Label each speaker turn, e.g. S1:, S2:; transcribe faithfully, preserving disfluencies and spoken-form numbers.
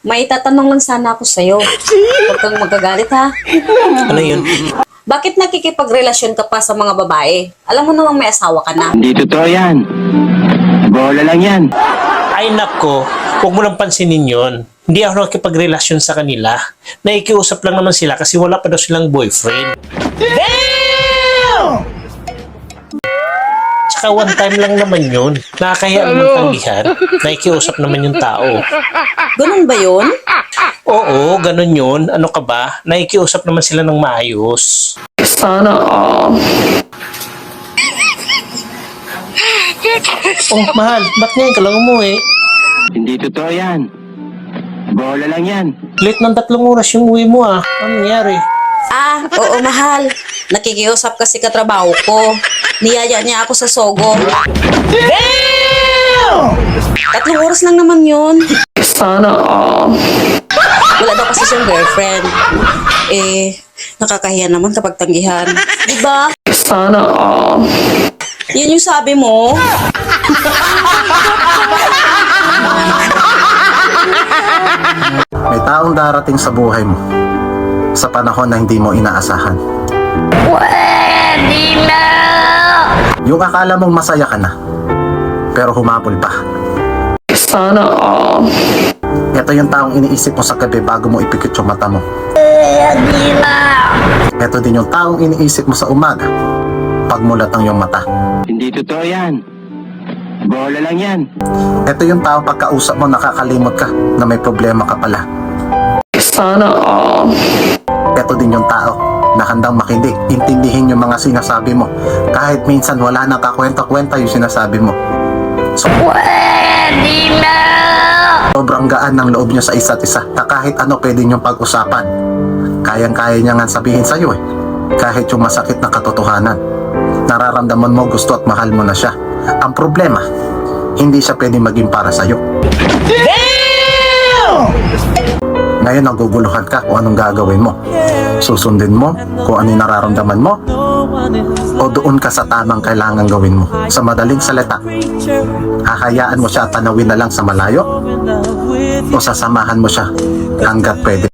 S1: May tatanong lang sana ako sa'yo. Huwag kang magagalit ha.
S2: Ano yun?
S1: Bakit nakikipagrelasyon ka pa sa mga babae? Alam mo namang may asawa ka na.
S3: Hindi totoo yan. Bola lang yan.
S2: Ay nako, huwag mo lang pansinin yun. Hindi ako nakikipagrelasyon sa kanila. Naikiusap lang naman sila kasi wala pa daw silang boyfriend. Damn! Tsaka one time lang naman yun. Nakakahiya naman tanggihan. Naikiusap naman yung tao.
S1: Ganun ba yun?
S2: Oo, ganun yun. Ano ka ba? Naikiusap naman sila ng maayos.
S4: Sana all.
S2: Oh, mahal, ba't ngayon ka lang umuwi?
S3: Hindi totoo yan. Bola lang yan.
S2: Late ng tatlong oras yung uwi mo ah. Ano nangyari?
S1: Ah, oo mahal. Nakikiusap kasi katrabaho ko. Niyaya niya ako sa Sogo.
S2: Damn!
S1: Tatlong oras lang naman yun.
S4: Sana all.
S1: Wala daw kasi siyang girlfriend. Eh, nakakahiya naman kapag tanggihan. Diba?
S4: Sana all.
S1: Yun yung sabi mo.
S5: May taong darating sa buhay mo sa panahon na hindi mo inaasahan.
S4: Pwede na!
S5: Yung akala mong masaya ka na, pero humabol pa.
S4: Sana all.
S5: Ito yung taong iniisip mo sa gabi bago mo ipikit yung mata mo.
S4: Pwede na!
S5: Ito din yung taong iniisip mo sa umaga pagmulat ng iyong mata.
S3: Hindi totoo yan. Bola lang yan.
S5: Ito yung taong pagkausap mo nakakalimot ka na may problema ka pala.
S4: Sana all.
S5: Ito din yung tao na handang makinig, intindihin yung mga sinasabi mo kahit minsan wala nang kakwenta-kwenta yung sinasabi mo. So,
S4: Pwede na!
S5: sobrang gaan ng loob niyo sa isa't isa na kahit ano pwede niyong pag-usapan. Kayang-kaya niya nga sabihin sa'yo eh, kahit yung masakit na katotohanan. Nararamdaman mo gusto at mahal mo na siya. Ang problema, hindi siya pwede maging para sa'yo. Ngayon naguguluhan ka kung anong gagawin mo. Susundin mo kung ano yung nararamdaman mo o doon ka sa tamang kailangan gawin mo. Sa madaling salita, hahayaan mo siya at tanawin na lang sa malayo o sasamahan mo siya hanggat pwede.